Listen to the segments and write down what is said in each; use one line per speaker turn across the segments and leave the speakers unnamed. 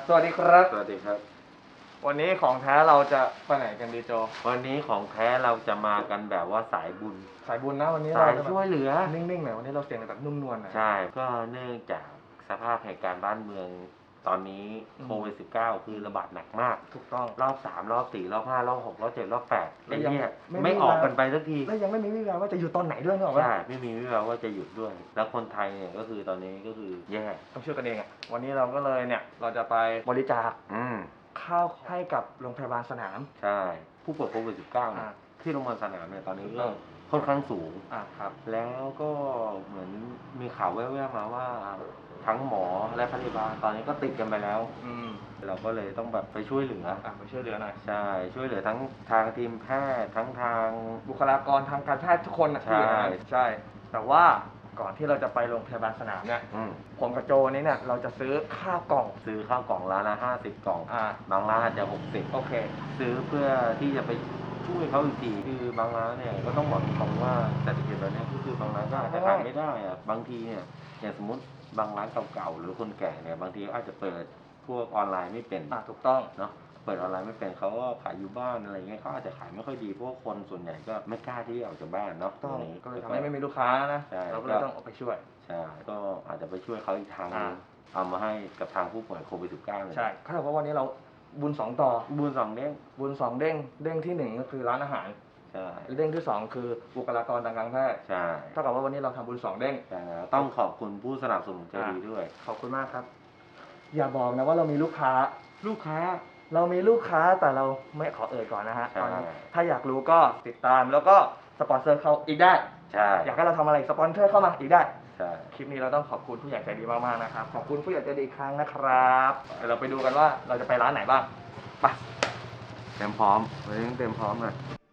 สวัสดีครับ
สวัสดีครับ
วันนี้ของแท้เราจะไปไหนกันดีโจ
วันนี้ของแท้เราจะมากันแบบว่าสายบุญ
สายบุญนะวันนี้
สาย
เราจะ
ช่วยเหลือ
นิ่งๆหน่อยวันนี้เราเสียงแบบนุ่มนวลหน่อย
ใช่ก็เนื่องจากสภาพเหตุการณ์บ้านเมืองตอนนี้โควิด-19 คือระบาดหนักมาก
ถูกต้อง
รอบ3รอบ4รอบ5รอบ6รอบ7รอบ8ไอ้เนี่ย
ไม่
ไม่ออกกันไปสักที
แล้วยังไม่มีวี่แววว่าจะอยู่ตอนไหนด้วยเนอะ
ใช่ไม่มีวี่แววว่าจะหยุดด้วยแล้วคนไทยเนี่ยก็คือตอนนี้ก็คือแย่
ต้องช่วยกันเองอ่ะวันนี้เราก็เลยเนี่ยเราจะไปบริจาคข้าวให้กับโรงพยาบาลสนาม
ใช่ผู้ป่วยโควิด-19เนี่ยที่โรงพยาบาลสนามเนี่ยตอนนี้ก็ค่อนข้างสูง
ครับ
แล้วก็เหมือนมีข่าวแว่วๆมาว่าทั้งหมอและพยาบาลตอนนี้ก็ติดกันไปแล้วเราก็เลยต้องแบบไปช่วยเหลือ
ไปช่วยเหลือหน่อย
ใช่ช่วยเหลือทั้งทางทีมแพทย์ทั้งทาง
บุคลากรทางการแพทย์ทุกคนนะใช่แต่ว่าก่อนที่เราจะไปโรงพยาบาลสนามเนี่ยผมกับโจนี้เนี่ยเราจะซื้อข้าวกล่อง
ซื้อข้าวกล่องร้านละ50กล่องบางร้านอาจจะ60
โอเค
ซื้อเพื่อที่จะไปช่วยเขาอีกทีคือบางร้านเนี่ยก็ต้องบอกตรงว่าเศรษฐกิจแบบนี้ก็คือบางร้านก็อาจจะขายไม่ได้อะบางทีเนี่ยอย่างสมมติบางร้านเก่าๆหรือคนแก่เนี่ยบางทีอาจจะเปิดพวกออนไลน์ไม่เป็น
ถูกต้อง
เนาะเปิดออนไลน์ไม่เป็นเขาก็ขายอยู่บ้านอะไรเงี้ยเขาอาจจะขายไม่ค่อยดีเพราะคนส่วนใหญ่ก็ไม่กล้าที่จะออกจากบ้านเนาะ
ตรงนี้ก็เลยทำให้ไม่มีลูกค้านะเราก็เลยต้องออกไปช่วย
ใช่ก็อาจจะไปช่วยเขาอีกทางนึงเอามาให้กับทางผู้ป่วยโควิด-19เลย
ใช่เขาบอกว่าวันนี้เราบุญ2ต่อ
บุญ2เด้ง
บุญ2เด้งเด้งที่1ก็คือร้านอาหาร
ใช่
เด้งที่2คือบุคลากรทางการแพทย์
ใช่
เท่ากับว่าวันนี้เราทำบุญ2เด้ง
ต้องขอบคุณผู้สนับสนุนใจดีด้วย
ขอบคุณมากครับอย่าบอกนะว่าเรามีลูกค้าเรามีลูกค้าแต่เราไม่ขอเอ่ยก่อนนะฮะตอนนี้ถ้าอยากรู้ก็ติดตามแล้วก็สปอนเซอร์เขาอีกได้
ใช่
อยากให้เราทำอะไรสปอนเซอร์เข้ามาอีกได้
ใช่
คลิปนี้เราต้องขอบคุณผู้ใหญ่ใจดีมากๆนะครับขอบคุณผู้ใหญ่ใจดีอีกครั้งนะครับเดี๋ยวเราไปดูกันว่าเราจะไปร้านไหนบ้างไป
เตรียมพร้อมวันนี้เตรียมพร้อมเลย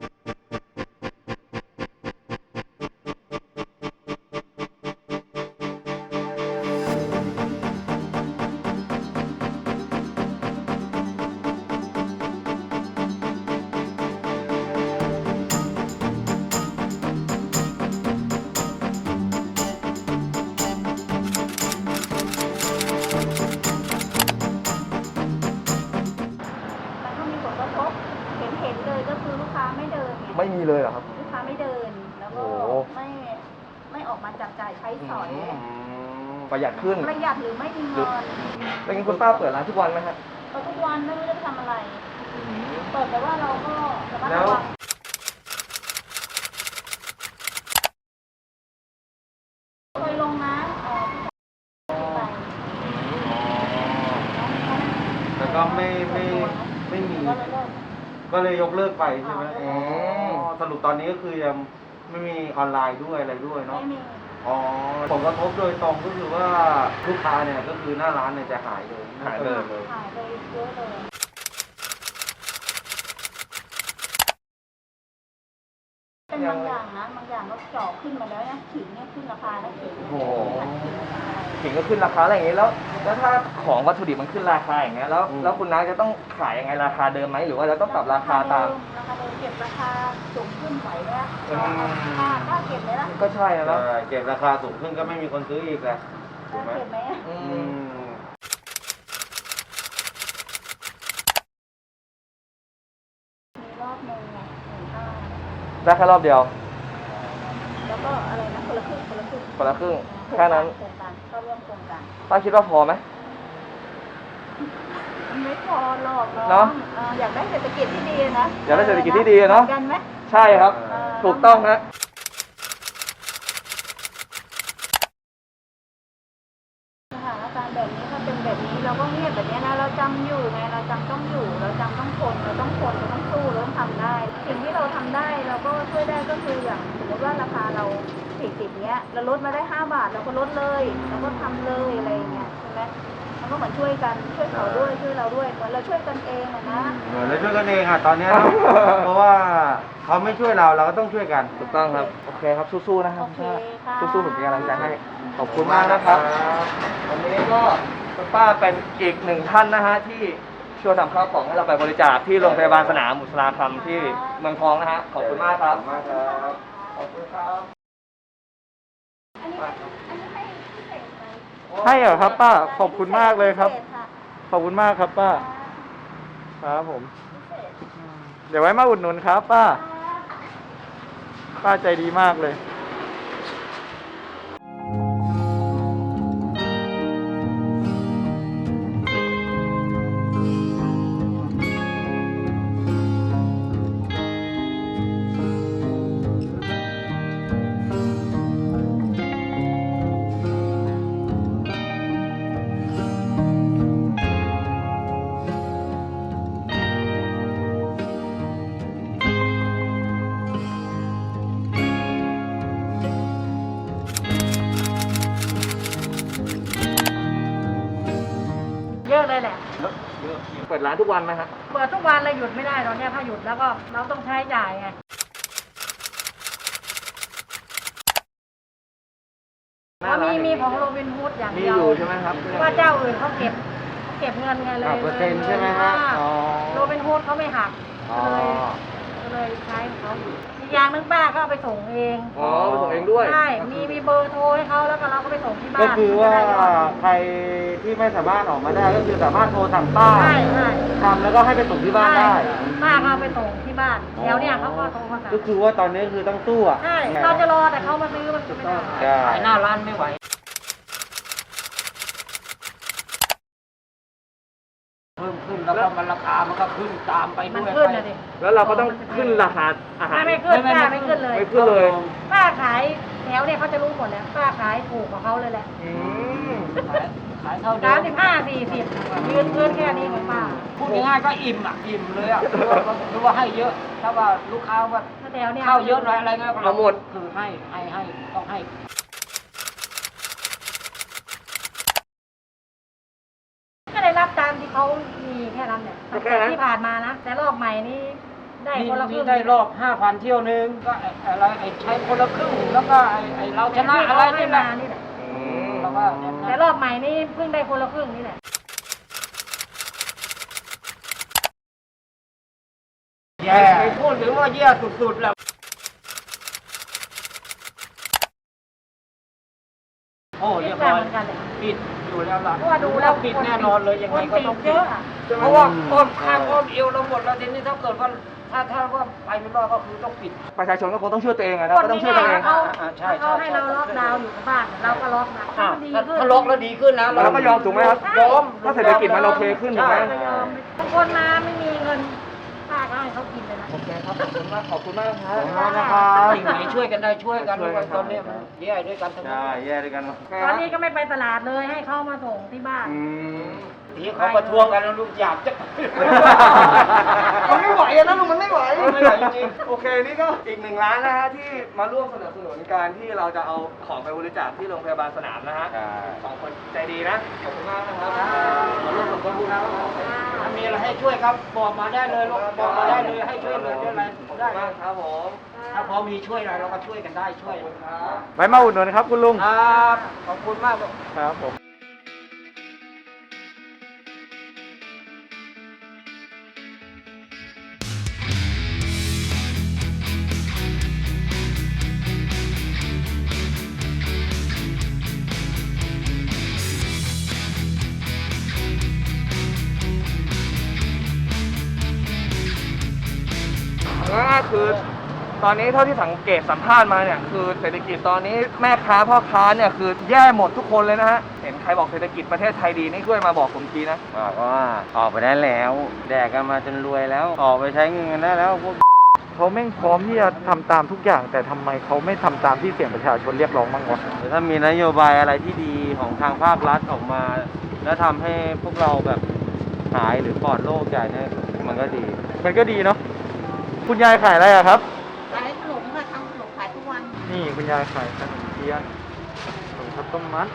ไม่มีเลยเหรอครับ
ลูกค้าไม่เดินแล้วก็ไม่ออกมาจับจ่ายใช้สอย
ประหยัดขึ้น
ประหยัดหรือไม่มีเงิน
แล้วงั้นคุณป้าเปิดร้านทุกวันไหมฮะ
เปิดทุกวันไม่รู้จะทำอะไรเปิดแต่ว่าเราก็ระมัด
ระวัง
เคยลงนะไป
แล้วก็ไม่มีก็เลยยกเลิกไปใช่ไหมสรุปตอนนี้ก็คือยังไม่มีออนไลน์ด้วยอะไรด้วยเนาะ
ไม่มี
ผลกระทบโดยตรงก็คือว่าลูกค้าเนี่ยก็คือหน้าร้านเนี่ยจะหายเลย
หายเลยเยอะเลยเป็นบางอย่างนะบางอย่างก็เจาะขึ้นมาแล้วนะขิงเนี่ยขึ้นราคาแล้วขิง
ขิงก็ขึ้นราคาอะไรอย่างนี้แล้วถ้าของวัตถุดิบมันขึ้นราคาอย่างเงี้ยแล้วคุณน้าจะต้องขายยังไงราคาเดิมไหมหรือว่าเราต้องปรับราคาตาม
ราคาเดิมเก็บราคาสูงขึ้นไหวไหมถ้าเก็บเลยนะ
ก็ใช่แล้ว
เก็บราคาสูงขึ้นก็ไม่มีคนซื้ออีกแหละ
ถูกไหมเก็บไหมมีรอบนึงไง15,000
ได้แค่รอบเดียว
แล้วก็อะไรนะคนละครึ่ง
แค่นั้น
โครงการเข้าร่วมโครงการ
ป้าคิดว่าพอไหม
มันไม่พอหรอกเนาะอยากได้เศรษฐกิจที่ดีนะ
อยากได้เศรษฐกิจที่ดีเนาะ
กันไหม
ใช่ครับถูกต้องฮะ
สถานการณ์แบบนี้ถ้าเป็นแบบนี้เราก็เงียบแบบนี้นะเราจำอยู่ไงเราจำต้องอยู่เราจำต้องทนเราต้องสู้เราต้องทำได้สิ่งที่เราทำได้เราก็ช่วยได้ก็คืออย่างสมมติว่าราคาเรา40เนี้ยเราลดมาได้5 บาทเราก็ลดเลยเราก็ทำเลยอะไรเงี้ยใช่ไหมมันก็เหมือนช่วยกันช่วยเขาด้วยช่วยเราด้วยเหมือนเราช่วยกันเองนะ
เหมือนเราช่วยกันเองตอนนี้เพราะว่าเขาไม่ช่วยเราก็ต้องช่วยกัน
ถูกต้องครับโอเคครับสู้ๆนะครับสู้ๆผมเป็นกำลังใจให้ขอบคุณมากนะครับวันนี้ก็คุณป้าเป็นอีก1ท่านนะฮะที่ช่วยทำข้าวของให้เราไปบริจาคที่โรงพยาบาลสนามบุษราคำที่เมืองทองนะฮะขอบคุณมากครับขอบคุณครับ
อันนี้ให้พิเศษไหม
ให้เหรอครับป้าขอบคุณมากเลยครับขอบคุณมากครับป้า ครับผม เดี๋ยวไว้มาอุดหนุนครับป้า ป้าใจดีมากเลย
เยอะเลยแหละ
เปิดร้านทุกวันไหมฮะ
เปิดทุกวันเลยหยุดไม่ได้ตอนเนี้ยถ้าหยุดแล้วก็เราต้องใช้จ่ายไง มีของโรบินฮูดอย่าง
มี
เดียว
อยู่ใช่ไหมครับ
ว่าเจ้าอื่นเขาเก็บเงินไงเลย
หักเปอร์เซ็นต์ใช่ไหมฮะอ๋อ
โรบินฮูดเขาไม่หัก
อ๋อ
ก็เลยใช้ของเขาอีกอย่างหนึงป้าก็เอาไปส่งเอง
อ๋อไปส่งเองด้วย
ใช่ มีเบอร์โทรให้เขาแล้วก็เราก็ไปส่งที่บ้าน
ก็คือว่า
จะได้ยอด
ใครที่ไม่สามารถออกมาได้ก็คือสามารถโทรสั่งป้า
ใช่ใช่
ทำแล้วก็ให้ไปส่งที่บ้านได้
ป้าก็เอาไปส่งที่บ้านแถวเนี่ยเขาก็โทรมาสั่ง
ก็คือว่าตอนนี้คือต้องสู้อ่ะ
ใช่ เราจะรอแต่เขามาซื้อมันจะไม่ได้
ใช่
ขายหน้าร้านไม่ไหว เพิ่มขึ้นแล้วก็มันราคามันก็ขึ้นตามไป
มัน
ด้วย
ขึ้นนะดิ
แล้วเราก็ต้องขึ้นราคาอาหาร
ไม่ขึ้นป้าไม่ขึ้นเลย
ไม่ขึ้นเลย
ป้าขายแถวเนี่ยเขาจะรู้หมดแล้วป้าขายถูกกว่าเขาเลยแหละ
อืม
ขายเท่าเดิ
35-40ยืนพื้นแค่นี้ของป้า
พูดง่ายๆก็อิ่มอ่ะ อิ่มเลยอ่ะหรือว่าให้เยอะ ถ้าว่าลูกค้าว่า
ถ้าแถวเนี่ย
เข้าเยอะหน่อยอะไรเงี้ย
เอาหมด
คือให้ต้องให้
ก็ได้รับตามที่เขามีแค่นั้นเนี่ย
แค่นั้น
ที่ผ่านมานะแต่รอบใหม่นี้ได้คนละครึ่ง
ได้รอบ 5,000 เที่ยวนึงก็อะไรใช้คนละครึ่งแล้วก็เราชนะอะไร
ที่
นี่
เขา
แห
ให้
ละ
มานี่แหละ
อืม
แล้วก็
แต่รอบใหม่นี้เพิ่งได้คนละครึ่งนี่แหละ
แย่พูดถึงว่าแย่สุดๆแล้วโอ้เรียบร้อย
เหมือนกันเลย
ปิดอยู่แล้วล่ะ
เพราะว่าดูแล้ว
ปิดแน่นอนเลยยังไงก็ต้อง
คนติด
ปิ
เย
ด
อะอะ
เพราะว่าอ้อมข้างอ้อมเอวเราหมดแล้วทีนี้ถ้าเกิดว่าถ้าว่าไปไม่รอดก็คือต้องปิด
ประชาชนก็คงต้องช่วยตัวเองอะนะก็ต้องช่วยตัวเอง
เขา
ใช่
เขาให้เราล็อกดาวน์อยู่กับบ้านเราก็ล็อกนะ
อ่ะ
มันดีขึ้น
ถ้าล็อกแล้วดีขึ้นนะ
เราก็ยอมถูกไหมครับ
ยอม
ถ้าเศรษฐกิจมันโอเคขึ้นถูกไหม
ไม่ยอมบางคนมาไม่มีเงินป้าก็ให้เขากินเลยนะ
โอเคครับ ขอบคุณมาก ขอบคุณมากครั
ข
บ
อบคุณมากนะครับ
สิ่งไหนช่วยกันได้ช่วยกันตอนนี้มันแย่ด้วยกันทั้งนั้
ใช่
น
แย่ด้วยกัน
ตอนนี้ก็ไม่ไปตลาดเลยให้เขามาส่งที่บ้าน
อืม
ที่เขาประท้วงกันแล้วลูกอยากจะ
มันไม่ไหวอะนะลุงมันไม่ไหว
ไม่ไหวจริง
โอเคนี่ก็อีก1 ล้านนะฮะที่มาร่วมสนับสนุนการที่เราจะเอาของไปบริจาคที่โรงพยาบาลสนามนะฮะ
ใช่
สองคนใจดีนะ ขอบคุณมากนะครับมาร่วมสมทบทุนนะครับ
ถ้ามีอะไรให้ช่วยครับบอกมาได้เลยลูกบอกมาได้เลยให้ช่วยเหลือช่วยอะไร
ขอบคุณ
ได้
มากครับผม
ถ้าพอมีช่วยอะไรเราก็ช่วยกันได้ช่วย
ครับ
ไว้มาอุดหนุนครับคุณลุง
ครับขอบคุณมากลูก
ครับผม
ก็คือตอนนี้เท่าที่สังเกตสัมภาษณ์มาเนี่ยคือเศรษฐกิจตอนนี้แม่ค้าพ่อค้าเนี่ยคือแย่หมดทุกคนเลยนะฮะเห็นใครบอกเศรษฐกิจประเทศไทยดีนี่ช่วยมาบอกผมทีนะ
บอกว่าออกไปได้แล้ว แดกกันมาจนรวยแล้ว ออกไปใช้เงินกันได้แล้วพวกเขาแม่งพร้อมที่จะทำตามทุกอย่าง แต่ทำไมเขาไม่ทำตามที่เสียงประชาชนเรียกร้องบ้างวะถ้ามีนโยบายอะไรที่ดีของทางภาครัฐออกมา แล้วทำให้พวกเราแบบหายหรือปลอดโรคใหญ่เนี่ยมันก็ดี มันก็ดีเนาะคุณยายขายอะไรอะครับ
ขายขนมค่ะทำขนมขายทุกวัน
นี่คุณยายขายขนมเทียนขนมข้าวต้มมัด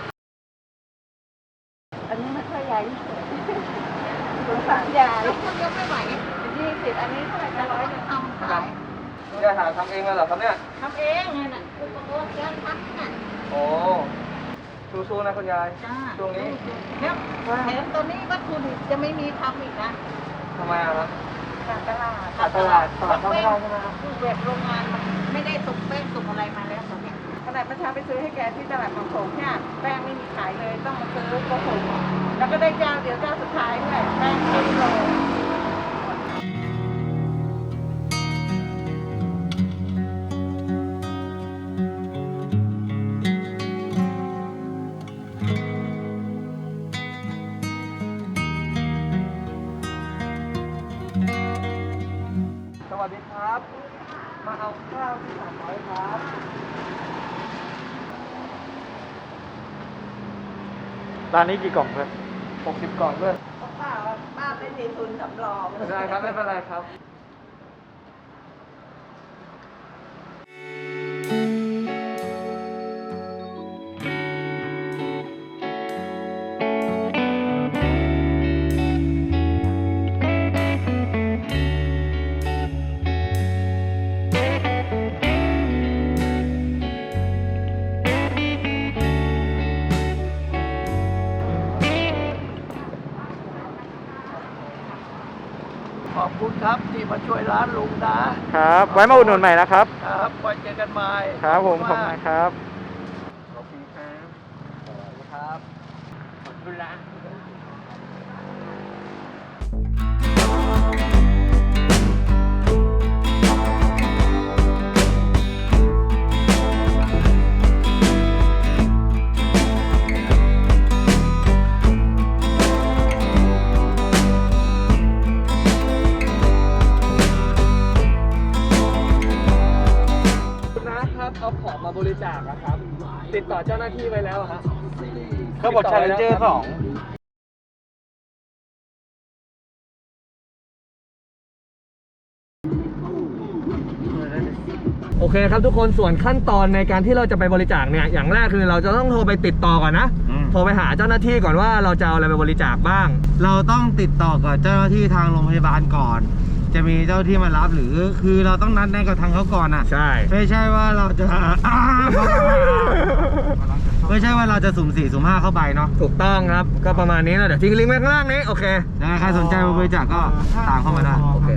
อันนี้ไม่ค่อยใหญ่สงสารยายคนยกไม่ไหว20อันนี้เท่าไหร่จะ100ทำขาย
ยายหาทำเองเลยเหรอครับเนี่ย
ทำเองไงน่ะอุปกรณ์การทำน่ะ
โอ้สู้ๆนะคุณยาย
จ้า
ช่วงนี้
แล้วแถมตอนนี้วัตถุดิบจะไม่มีทำอีกนะ
ทำไมอะครับ
ขาดตลาด
ขาดตลาดเข้าไม่ได้ใช่ไหมครับ
คือแบบโรงงานมันไม่ได้ส่งแป้งส่งอะไรมาแล้วตอนเนี้ย
ท
นาดประชาไปซื้อให้แกที่ตลาดบางโขงเนี่ยแป้งไม่มีขายเลยต้องมาซื้อโกหกแล้วก็ได้เจ้าเดียวเจ้าสุดท้ายด้วยแป้งครึ่งโล
สวัสดีครับ มาเอาข้าวที่300ครับ
ร้านนี้กี่กล่องเพื่อน
60 กล่องเพื่อน
ป้าไม่มีทุนสำรอง
ได้ครับ ไม่เป็นไรครับ
ขอบคุณครับที่มาช่วยร้านลุงนะครับ
ไว้มาอุดหนุนใหม่นะครับ
ครับไว้เจอกันใหม่
ครับผม ขอบ
มาก
คุณครับ
ขอบคุณครับขอบคุณครับ ขอบคุณละ คุณนะครับเอาของมาบริจาคนะครับ ติดต่อเจ้าหน้าที่ไว้แล้วฮะ
เขาบอก Challenger 2
โอเคครับทุกคนส่วนขั้นตอนในการที่เราจะไปบริจาคเนี่ยอย่างแรกคือเราจะต้องโทรไปติดต่อก่อนนะ โทรไปหาเจ้าหน้าที่ก่อนว่าเราจะเอาอะไรไปบริจาคบ้าง
เราต้องติดต่อกับเจ้าหน้าที่ทางโรงพยาบาลก่อน จะมีเจ้าหน้าที่มารับหรือคือเราต้องนัดแนะกับทางเขาก่อนอ่ะ
ใช่
ไม่ใช่ว่าเราจะ ไม่ใช่ว่าเราจะสุ่ม4สุ่ม5เข้าไปเนาะ
ถูกต้องครับก็ประมาณนี้นะเดี๋ยวทิ้งลิงก์ไว้ข้างล่างนี้โอเค
นะใครสนใจมาบริจาคก็ตามเข้ามาได้
โอเค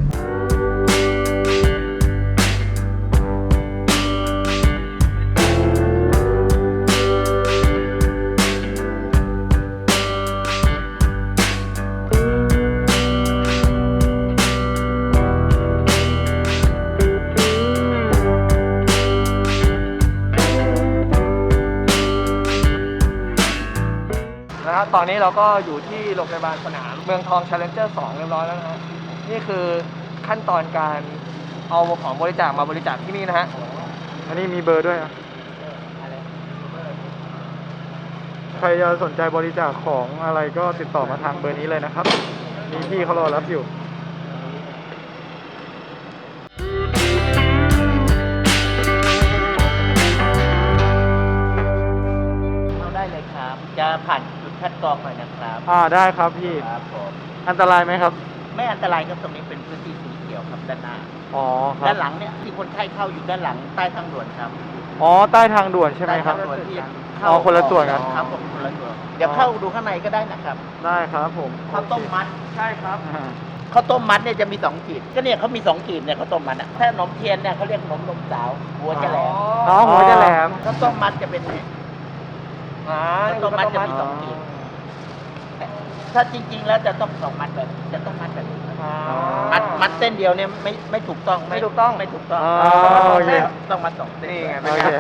นะครับตอนนี้เราก็อยู่ที่โรงพยาบาลสนามเมืองทอง Challenger 2 เรียบร้อยแล้วนะฮะนี่คือขั้นตอนการเอาของบริจาคมาบริจาคที่นี่นะฮะ
อันนี้มีเบอร์ด้วยนะใครจะสนใจบริจาคของอะไรก็ติดต่อมาทางเบอร์นี้เลยนะครับ มีพี่เขารอรับอยู่
เข้าได้เลยครับ จะผ่านจุดคัดกรองหน่อยนะครับ
ได้ครับพี่
ครับผม
อันตรายไหมครับ
ไม่อันตรายครับตรงนี้เป็นพื้นที่สีเขียวครับด้านหน้า
อ๋อครั
ด้า
บ
นหลังเนี่ยที่คนไข้เข้าอยู่ด้านหลังใต้ทางด่วนครับ
อ๋อ ใต้ทางด่วนใช่ไหมครับ
ใต้ทางด่วนที่
อ๋อคนละส่วนกัน
ครับผมคนละส่วนเดี๋ยวเข้าดูข้างในก็ได้นะครับ
ได้ครับผม
ข้าวต้มมัด
ใช่ครับ
ข้าวต้มมัดเนี่ยจะมี2ขีดก็เนี่ยเขามี2ขีดเนี่ยข้าวต้มมัดอ่ะถ้าขนมเทียนเนี่ยเขาเรียกขนมนมสาวหัวจะแหลม
อ๋อหัวจะแหลม
ข้าวต้มมัดจะเป็นเนี่ย ข้าวต้มมัดจะมี2ขีดถ้าจริงๆแล้วจะต้อง2มัดแบบจะต้องมัดแบบนี้มัดเส้นเดียวเนี่ยไม่ถูกต้อง
ไม่ถูกต้อง
ไม่ถูกต้อง
อ๋อ
ต้องมัด
โอเค
เส้นต้องมัด2เส้น
นี่ไง
โอเค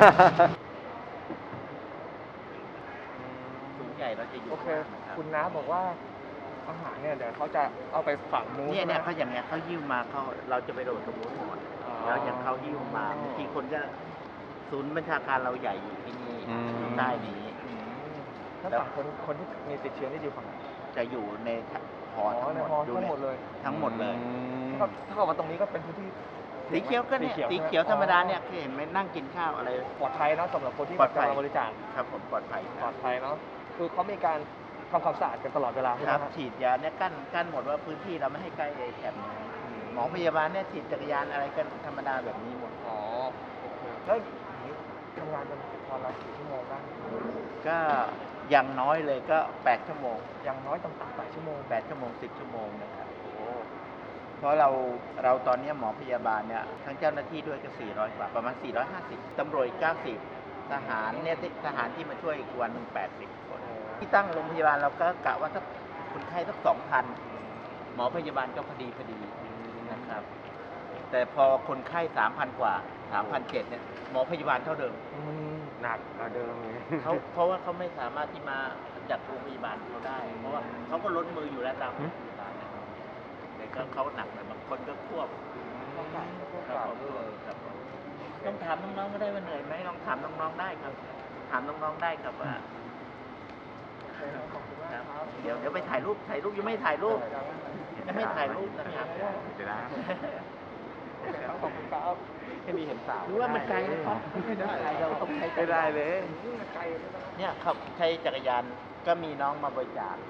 ถุงใหญ่เราจะอยู่
โอเค คุณน้าบอกว่าอาหารเนี่ยเดี๋ยวเขาจะเอาไปฝังนู้น
เนี่ย
ใช่ไหม
เขาอย่างเงี้ยเขาหิ้วมาเขาเราจะไปโดดตรงนู้นหมด
อ๋อ
แล้วอย่างเขาหิ้วมาบางทีคนก็ศูนย์บัญชาการเราใหญ่อยู่ที่นี่
อืม
อยู่ใต้นี้
ถ้าฝั่งคนที่มีติดเชื้อนี่อยู่ฝั่งไหน
จะอยู่ในหอทั้ง
ใน
หมด
ฮอ
ดู
ทั้งหมดเลย
ทั้งหมดเลย
ก็ถ้าเกิดว่าตรงนี้ก็เป็นพื้นที่
สีเขียวก็เนี่ยสีเขียวธรรมดาเนี่ยเคยเห็นไหมนั่งกินข้าวอะไร
ปลอดภัยเนาะสำหรับคนที่
ปลอดภัย
จะมาบริจาค
ครับผมปลอดภัย
ปลอดภัยเนาะคือเขามีการทำความสะอาดกันตลอดเวลาใช่ไห
ค
ม
รับ
ฮะ
ฉีดยาเนี่ยกั้นหมดว่าพื้นที่เราไม่ให้ใกล้ไอ้แถบนี้หมอพยาบาลเนี่ยฉีดจักรยานอะไรกันธรรมดาแบบนี้หมด
อ๋อโอเคแล้วอย่างนี้ทำงานกันวันละกี่ชั่วโมงบ้าง
ก็อย่างน้อยเลยก็8ชั่วโมง
อย่างน้อยต่ำๆ8 ชั่วโมง
8ชั่วโมง10ชั่วโมงนะครับเพราะเราตอนนี้หมอพยาบาลเนี่ยทั้งเจ้าหน้าที่ด้วยก็400กว่าประมาณ450ตำรวจอีก90 ทหารเนี่ยทหารที่มาช่วยอีกวันหนึ่ง80 คน ที่ตั้งโรงพยาบาลเราก็กะว่าถ้าคนไข้สัก2,000 หมอพยาบาลก็พอดีนะครับ แต่พอคนไข้ 3,000 กว่า 3,700 เนี่ยหมอพยาบาลเท่าเดิม
หนักกว่าเดิมเลย
เพราะว่าเขาไม่สามารถที่มาจัดโรงพยาบาลเขาได้ เพราะว่าเขาก็ล้นมืออยู่แล้วตามโรงพยาบาลนะครับแต่ก็เขาหนักหน่อยบางคนก็ควบครับผมต้องถามน้องๆก็ได้ว่าเหนื่อยไหมลองถามน้องๆได้ครับ ถามน้องๆได้ครับว่าครับเดี๋ยวไปถ่ายรูปยังไม่ถ่ายรูปนะครับ
ขอบคุณครับให้มีเห็นสาว
หรือว่ามันไกลนะครับไม่ได้เราต้องใช้
ไม่ได้เลย
เนี่ยครับใช้จักรยานก็มีน้องมาบริจาค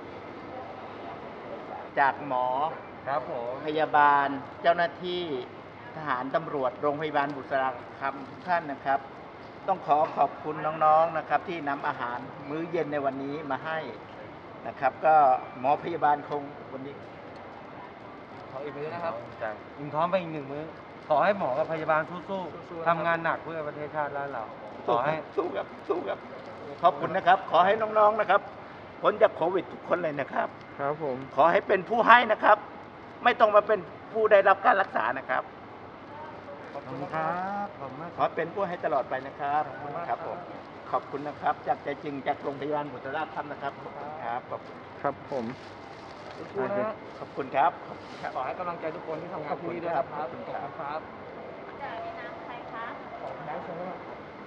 จากหมอ
ครับผม
พยาบาลเจ้าหน้าที่ทหารตำรวจโรงพยาบาลบุษราคำทุกท่านนะครับ ต้องขอบคุณน้องๆนะครับ ที่นำอาหารมื้อเย็นในวันนี้มาให้นะครับ ก็หมอพยาบาลคงวันนี้
ขออีกมื้อนะครับ
อิ่มท้องไปอีก1 มื้อ ขอให้หมอกับพยาบาลสู้
สู้ๆ
ๆทำงานหนักเพื่อประเทศชาติและเรา ขอให้
สู้ครับขอบคุณนะครับ ขอให้น้องๆนะครับพ้นจากโควิดทุกคนเลยนะครับ
ครับผม
ขอให้เป็นผู้ให้นะครับ ไม่ต้องมาเป็นผู้ได้รับการรักษานะครับ
ขอบคุณครับขอบคุณมาก
ขอเป็นผู้ให้ตลอดไปนะครับครับผมขอบคุณนะครับ จากใจจริงจากโรงพยาบาลบุษราคำนะครับขอบคุณครับขอบคุณ
ครับผม
สู้ๆนะ
ขอบคุณครับ
ขอให้กำลังใจทุกคนที่ทำงานที่นี่ด้วยนะครับ
ขอบคุณครับ
ขอบคุณครับ
จ่ายในน้ำใครคะ
ขอบคุณครับเชิญครับ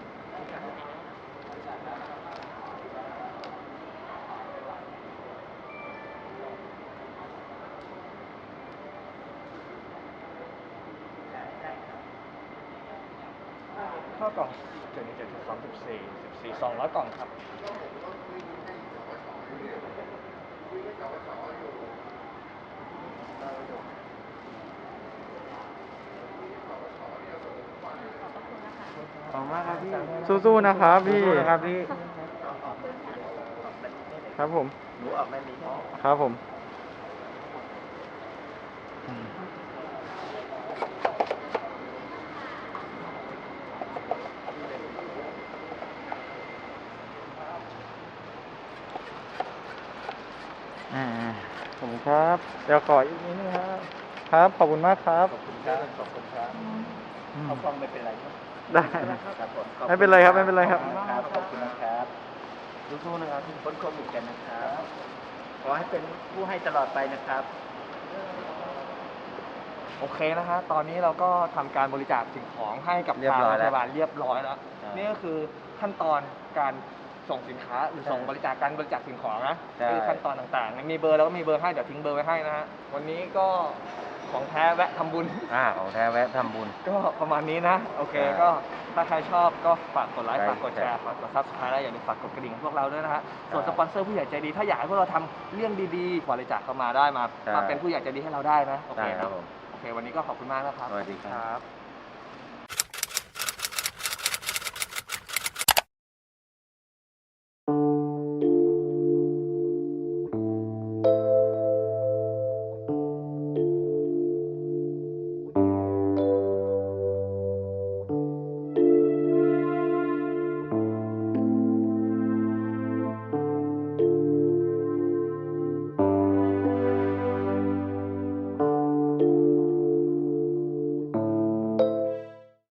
ข้าวกล่อง717 200 กล่องครับ
ขอบคุณมากครับพี่ สู้ๆนะครับพี่ ครับพี่ ครับผม
หนูออกไม่มี
ครับผม ขอบคุณครับ เดี๋ยวขออีกนิดนึงครับ ครับ ขอบคุณมากครับ
ขอบคุณครับขอบคุณครับเขาฟังไม่เป็นไรครับ
ได้
ครับผม
ไม่เป็นไรครับ ไม่เป็นไรครับ
ขอบคุณนะครับสู้ๆนะครับพ้นโควิดกันนะครับ ขอให้เป็นผู้ให้ตลอดไปนะครับ
โอเคนะฮะ ตอนนี้เราก็ทำการบริจาคสิ่งของให้กับ
เรียบ
ทาง
ร้อย
โรงพ
แล้ว
ยาบาลเรียบร้อยแล้ว
ใช่
นี่ก็คือขั้นตอนการส่งสินค้าหรือส่งบริจาคการบริจาคสิ่งของนะ
ใช่
คือขั้นตอนต่างๆ มีเบอร์แล้วก็มีเบอร์ให้ เดี๋ยวทิ้งเบอร์ไว้ให้นะฮะ วันนี้ก็ของแท้แวะทำบุญ
ของแท้แวะทำบุญ
ก็ประมาณนี้นะ โอเค
ใช่
ก็ถ้าใครชอบก็ฝากกดไลค์
ใช่
ฝากกดแชร์
ใช่
ฝากกดซับสไครต์และอย่าลืมฝากกดกระดิ่งให้พวกเราด้วยนะฮะ ส่วน
ใช่
สปอนเซอร์ผู้ใหญ่ใจดี ถ้าอยากให้พวกเราทำเรื่องดีๆบริจาคเข้ามาได้มา
ใช่
มาเป็นผู้ใหญ่ใจดีให้เราได้นะ โอเค
ได้ครับผม
โอเค วันนี้ก็ขอบคุณมากนะครับ
สวัสดีครับ